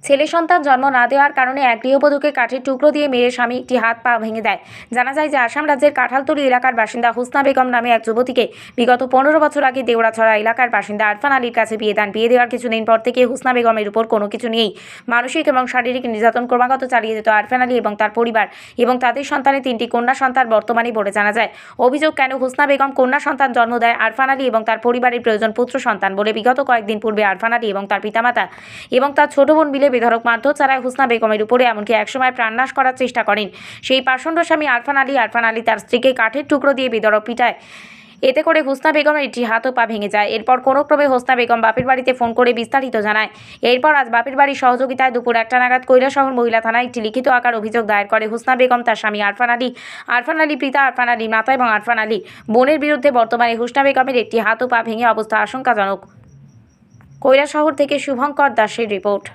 ছেলে সন্তান জন্ম না দেওয়ার কারণে এক গৃহবধূকে কাঠের টুকরো দিয়ে মেরে স্বামী একটি হাত পা ভেঙে দেয়। জানা যায় যে আসাম রাজ্যের কাঁঠালতলী এলাকার বাসিন্দা হুসনা বেগম নামে এক যুবতীকে বিগত 15 বছর আগে দেওড়াছড়া এলাকার বাসিন্দা আরফান আলীর কাছে বিয়ে দেন। বিয়ে দেওয়ার কিছুদিন পর থেকে হুসনা বেগমের উপর কোনো কিছু নিয়েই মানসিক এবং শারীরিক নির্যাতন ক্রমাগত চালিয়ে যেত আরফান আলী এবং তার পরিবার এবং তাদের সন্তানের 3টি কন্যা সন্তান বর্তমানে বলে জানা যায়। অভিযোগ, কেন হুসনা বেগম কন্যা সন্তান জন্ম দেয় আরফান আলী এবং তার পরিবারের প্রয়োজন পুত্র সন্তান বলে বিগত কয়েকদিন পূর্বে আরফান আলী এবং তার পিতামাতা এবং তার ছোট বোন মিলে বেধড়ক মারধর চালায় হুসনা বেগমের উপরে, এমনকি একসময় প্রাণনাশ করার চেষ্টা করেন সেই পাষণ্ড স্বামী আরফান আলী তার স্ত্রীকে কাঠের টুকরো দিয়ে বেধড়ক পিটায়। এতে করে হুসনা বেগমের একটি হাত ও পা ভেঙে যায়। এরপর কোনো ক্রমে হুসনা বেগম বাপের বাড়িতে ফোন করে বিস্তারিত জানায়। এরপর আজ বাপের বাড়ির সহযোগিতায় দুপুর 1টা নাগাদ কৈলাসহর মহিলা থানায় একটি লিখিত আকার অভিযোগ দায়ের করে হুসনা বেগম তার স্বামী আরফান আলী পিতা আরফান আলী মাতা এবং আরফান আলী বোনের বিরুদ্ধে। বর্তমানে হুসনা বেগমের একটি হাত ও পা ভেঙে অবস্থা আশঙ্কাজনক। কৈলাসহর থেকে শুভঙ্কর দাসের রিপোর্ট।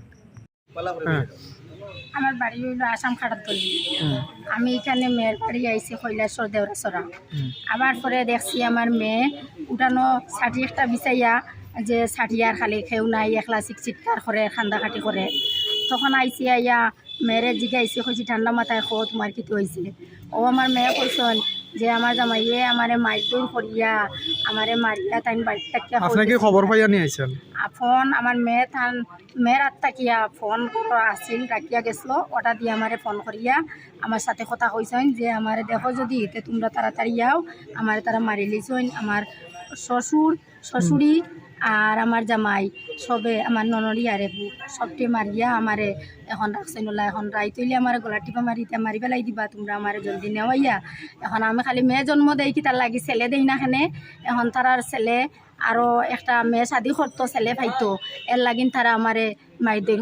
আমার বাড়ি হইল আসাম খাটাতলি। আমি এখানে মেয়ের বাড়ি আইছি কৈলাসর দেওড়াছড়া। আবার পরে দেখছি আমার মেয়ে উঠানো ষাটি একটা বিচাইয়া যে ষাটি আর খালি খেউ নাই, একলা চিৎকার করে খান্দাখাটি করে। তখন আইসি আইয়া মেয়েরে জিগাইছি, কইছি ঠান্ডা মাথায় খো তোমার কি হয়েছে। ও আমার মেয়ে কইসন যে আমার জামাইয়ে আমারে মারধর করিয়া আমারে মারিয়া তাই বাড়িতে থাকিয়া। আপনাকে খবর পাইয়া নিয়ে আইছেন? ফোন আমার মেয়ের আত্মাকিয়া ফোন আসিল রাখিয়া গেছিল, ওটা দিয়ে আমারে ফোন করিয়া আমার সাথে কথা কইছেন যে আমারে দেখো যদি এতে তোমরা তাড়াতাড়ি যাও, আমারে তারা মারি লিছন। আমার শ্বশুরি আর আমার জামাই সবে আমার ননরি আর সবটি মারিয়া আমারে এখন রাখছেন। ওলা এখন রাই তৈলে আমার গলা টিপা মারি পেলাই দিবা, তোমরা আমারে জলদি নেওয়াইয়া। এখন আমি খালি মেয়ে জন্ম দেই কি তার লাগি ছেলে দেই না খানে। এখন তারার ছেলে আরো একটা মেয়ে শাদি করতো, ছেলে ভাইতো, এর লাগিন তারা আমারে মাইদের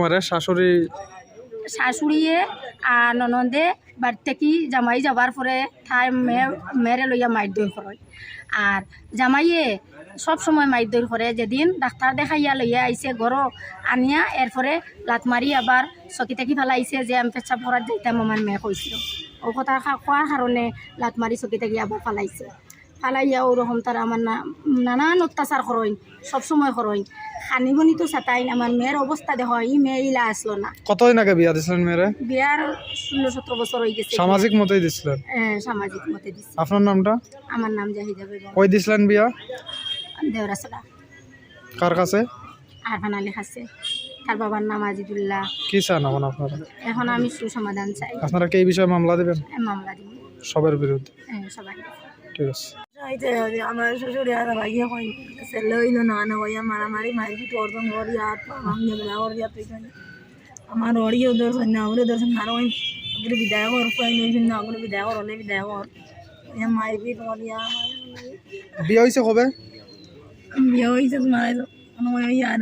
শাশুড়িয়ে আর ননদে বাড়ি থেকে জামাই যাবার পরে তাই মেয়েরে লইয়া মাইদর করে। আর জামাইয়ে সব সময় মাইদর করে। যেদিন ডাক্তার দেখাইয়া লইয়া আইছে ঘর আনিয়া এরপরে লাত মারি আবার চকি থাকি ফেলাইছে যে আমি পেচ্ছাপ করার যাইতাম, আমার মেয়ে কইছিল। ও কথা কোয়ার কারণে লাত মারি চকি থাকি আবার ফালাইছে। ফালাইয়া ওরকম তারা আমার নানান অত্যাচার করইন, সবসময় করইন। খানিবনি তো চাতাইন। আমার মেয়ের অবস্থা দেখো, এই মেয়ে ইলা আসলো না। কতদিন আগে বিয়া দিছিলেন মেয়েরে? বিয়ার 16-17 বছর হয়ে গেছে। সামাজিক মতেই দিছিলেন? হ্যাঁ, সামাজিক মতে দিছি। আপনার নামটা? আমার নাম জাহিদা বেগম। কই দিছিলেন বিয়া? দেওড়াছড়া। কার কাছে? আরফান আলী কাছে। তার বাবার নাম আজিদুল্লাহ। কি চান এখন আপনারা? এখন আমি সুসমাধান চাই। আপনারা কি এই বিষয়ে মামলা দিবেন? মামলা দিব সবার বিরুদ্ধে? হ্যাঁ, সবাই। ঠিক আছে। আমার শ্বশুর আর ভাইয়া কই ছেলে হইল না না ভাইয়া মারামারি মারি তোরদম করি আর ভাঙে বেলা করি তুই আমার অড়িও দর্শন না ওরে দর্শন আর ওই ওগুলো বিদায় কর কই নইছেন না ওগুলো বিদায় কর অনেক বিদায় কর মারবি করিয়া। বিয়ে হইছে কবে? বিয়ে হইছে তোমার ওই আর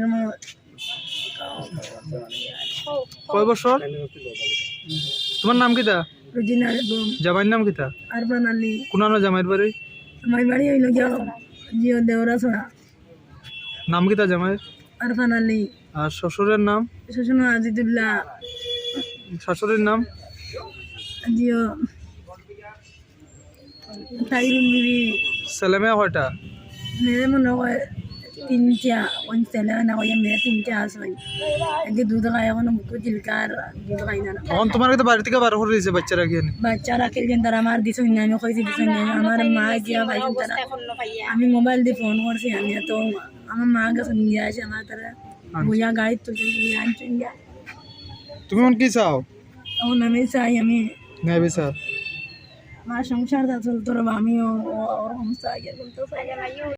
কয় বছর? তোমার নাম কিতা? রুজিনা বেগম। জামাইয়ের নাম কিতা? আরফান আলী। কোন জামাইয়ের বাড়ি? আমার বাড়ি হইল জিও দেওড়াছড়া। নাম কিতা জামাইয়ের? আরফান আলী। আর শ্বশুরের নাম? শ্বশুর আজিদুল্লাহ। শাশুড়ির নাম? জিও তাইরুন বিবি। ছেলে মেয়ে কয়টা? মেয়ে মনে হয় 3টা। ওই ছেলে না ওই মেয়ে 3টা আছে। এদিকে দুধ খায় এখন বুকু চিলকার দুধ খাই না। এখন তোমার কিন্তু বাড়ি থেকে বার করে দিয়েছে বাচ্চারা কি? বাচ্চারা খেলছেন তারা আমার দিছই না, আমি কইছি দিছই না। আমার মা গিয়া পাইছেন তারা, আমি মোবাইল দিয়ে ফোন করছি। আমি তো আমার মা গেছে নিয়ে আসে আমার তারা বুঝা গাড়ি তুলছে নিয়ে আনছেন গিয়া। তুমি এখন কি চাও? এখন আমি চাই আমি ন্যায় বিচার। আমার সংসারটা চলতো, আমিও ওরকম চাই।